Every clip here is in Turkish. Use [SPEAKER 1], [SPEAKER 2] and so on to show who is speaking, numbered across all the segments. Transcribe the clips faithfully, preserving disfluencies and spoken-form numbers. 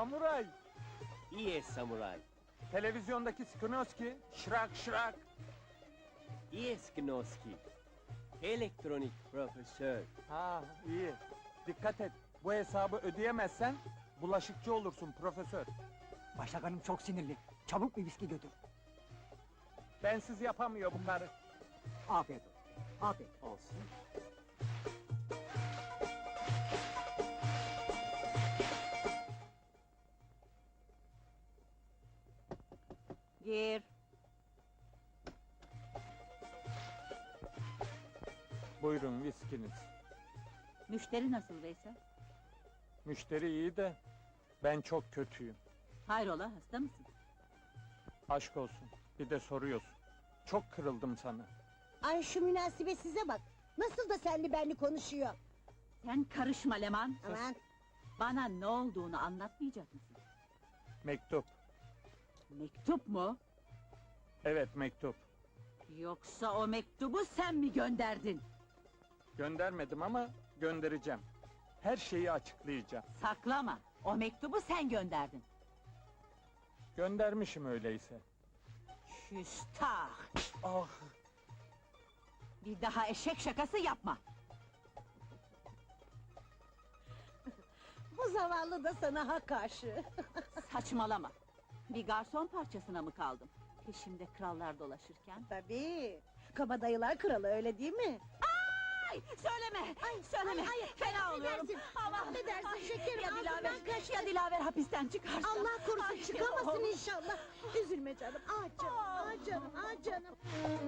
[SPEAKER 1] Samuray!
[SPEAKER 2] Yes, samuray.
[SPEAKER 1] Televizyondaki Skinoski, şırak şırak!
[SPEAKER 2] Yes, Gnoski. Elektronik profesör.
[SPEAKER 1] Ha, iyi. Dikkat et, bu hesabı ödeyemezsen... ...bulaşıkçı olursun profesör.
[SPEAKER 3] Başak Hanım çok sinirli. Çabuk bir viski götür.
[SPEAKER 1] Bensiz yapamıyor bu karı.
[SPEAKER 3] Afiyet olsun. Afiyet olsun.
[SPEAKER 4] Gir.
[SPEAKER 1] Buyurun viskiniz.
[SPEAKER 4] Müşteri nasıl Veysel?
[SPEAKER 1] Müşteri iyi de... ...ben çok kötüyüm.
[SPEAKER 4] Hayrola, hasta mısın?
[SPEAKER 1] Aşk olsun, bir de soruyorsun. Çok kırıldım sana.
[SPEAKER 5] Ay şu münasebet size bak. Nasıl da senli benli konuşuyor.
[SPEAKER 4] Sen karışma Leman.
[SPEAKER 5] Aman.
[SPEAKER 4] Bana ne olduğunu anlatmayacak mısın?
[SPEAKER 1] Mektup.
[SPEAKER 4] Mektup mu?
[SPEAKER 1] Evet, mektup.
[SPEAKER 4] Yoksa o mektubu sen mi gönderdin?
[SPEAKER 1] Göndermedim ama göndereceğim. Her şeyi açıklayacağım.
[SPEAKER 4] Saklama, o mektubu sen gönderdin.
[SPEAKER 1] Göndermişim öyleyse.
[SPEAKER 4] Küstah!
[SPEAKER 1] Ah!
[SPEAKER 4] Bir daha eşek şakası yapma!
[SPEAKER 5] Bu zavallı da sana ha karşı.
[SPEAKER 4] Saçmalama! Bir garson parçasına mı kaldım? Peşimde krallar dolaşırken.
[SPEAKER 5] Tabii. Kabadayılar kralı öyle değil mi?
[SPEAKER 4] Ay! Söyleme! Ay, söyleme!
[SPEAKER 5] ay, ay,
[SPEAKER 4] Fena oluyorum!
[SPEAKER 5] affedersin,
[SPEAKER 4] Aman!
[SPEAKER 5] affedersin
[SPEAKER 4] Ay,
[SPEAKER 5] şekerim,
[SPEAKER 4] ya
[SPEAKER 5] ağzımdan
[SPEAKER 4] Dilaver,
[SPEAKER 5] kaçtı.
[SPEAKER 4] ya Dilaver hapisten çıkarsa!
[SPEAKER 5] Allah korusun
[SPEAKER 4] Ay,
[SPEAKER 5] çıkamasın
[SPEAKER 4] oh.
[SPEAKER 5] inşallah. Üzülme canım. Ah canım, ah canım, ah canım.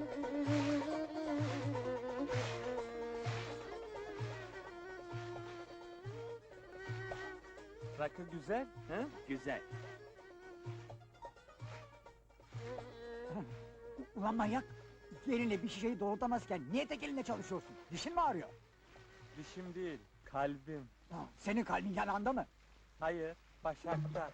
[SPEAKER 1] Rakı güzel, he?
[SPEAKER 2] Güzel.
[SPEAKER 3] Ulan manyak! İki elinle bir şişeyi doğrultamazken niye tek elinle çalışıyorsun? Dişin mi ağrıyor?
[SPEAKER 1] Dişim değil, kalbim.
[SPEAKER 3] Ha, senin kalbin yanağında mı?
[SPEAKER 1] Hayır, başakta.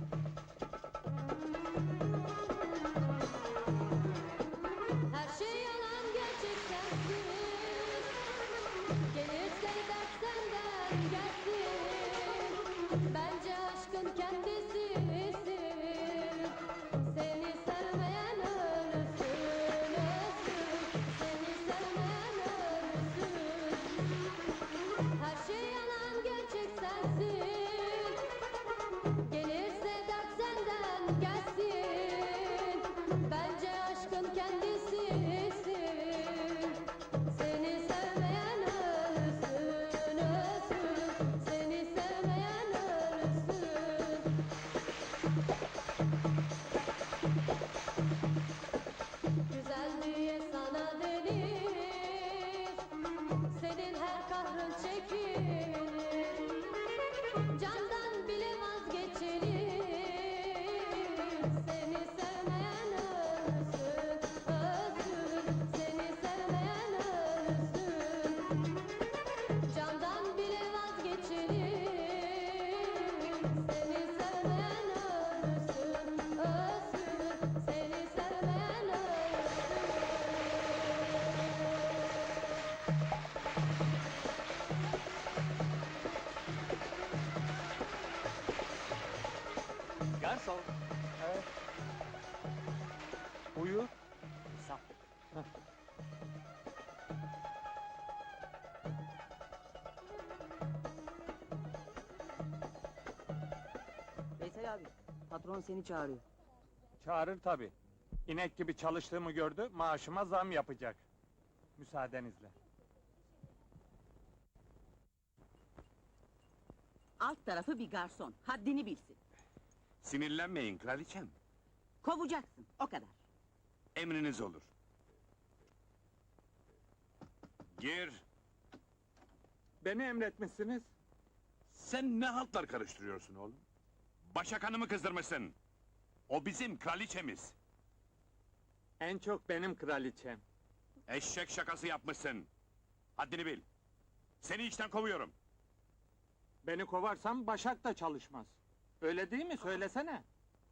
[SPEAKER 6] Her şey yalan gerçek sensin. Gelirse dert senden gelsin. Bence aşkın kendisisin. Seni sevmeyen ölürsün, ölsün. Seni sevmeyen ölürsün. Her şey yalan gerçek sensin. Gelirse dert senden gelsin. Bence aşkın kendisisin. Seni sevmeyen ölsün, ölsün. Seni sevmeyen ölsün. Güzel diye sana denir. Senin her kahrın çekilir. Candan bile vazgeçilir. Seni sevmeyen ölsün, ölsün. Seni sevmeyen ölsün. Candan bile vazgeçilir. Seni sevmeyen ölsün, ölsün. Seni sevmeyen ölsün.
[SPEAKER 2] Garson.
[SPEAKER 1] Evet. Buyur.
[SPEAKER 2] Hesap.
[SPEAKER 7] Veysel abi, patron seni çağırıyor.
[SPEAKER 1] Çağırır tabii. İnek gibi çalıştığımı gördü, maaşıma zam yapacak. Müsaadenizle.
[SPEAKER 4] Alt tarafı bir garson, haddini bilsin.
[SPEAKER 8] Sinirlenmeyin kraliçem.
[SPEAKER 4] Kovacaksın, o kadar.
[SPEAKER 8] Emriniz olur. Gir.
[SPEAKER 1] Beni emretmişsiniz.
[SPEAKER 8] Sen ne haltlar karıştırıyorsun oğlum? Başak Hanım'ı kızdırmışsın. O bizim kraliçemiz.
[SPEAKER 1] En çok benim kraliçem.
[SPEAKER 8] Eşek şakası yapmışsın. Haddini bil. Seni işten kovuyorum.
[SPEAKER 1] Beni kovarsam Başak da çalışmaz. Öyle değil mi? Söylesene.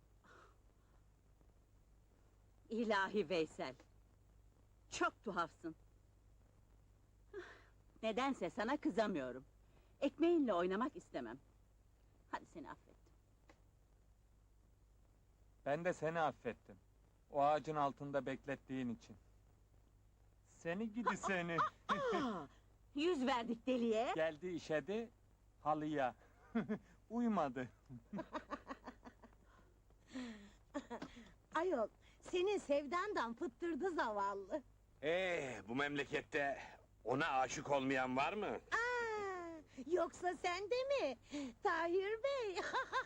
[SPEAKER 4] İlahi Veysel! Çok tuhafsın. Nedense sana kızamıyorum. Ekmeğinle oynamak istemem. Hadi seni affettim.
[SPEAKER 1] Ben de seni affettim. O ağacın altında beklettiğin için. Seni gidi seni.
[SPEAKER 4] Aa, yüz verdik deliye.
[SPEAKER 1] Geldi işedi halıya. Uymadı.
[SPEAKER 5] Ayol, senin sevdandan fıttırdı zavallı.
[SPEAKER 8] Ee, bu memlekette ona aşık olmayan var mı?
[SPEAKER 5] Aa, yoksa sen de mi? Tahir Bey.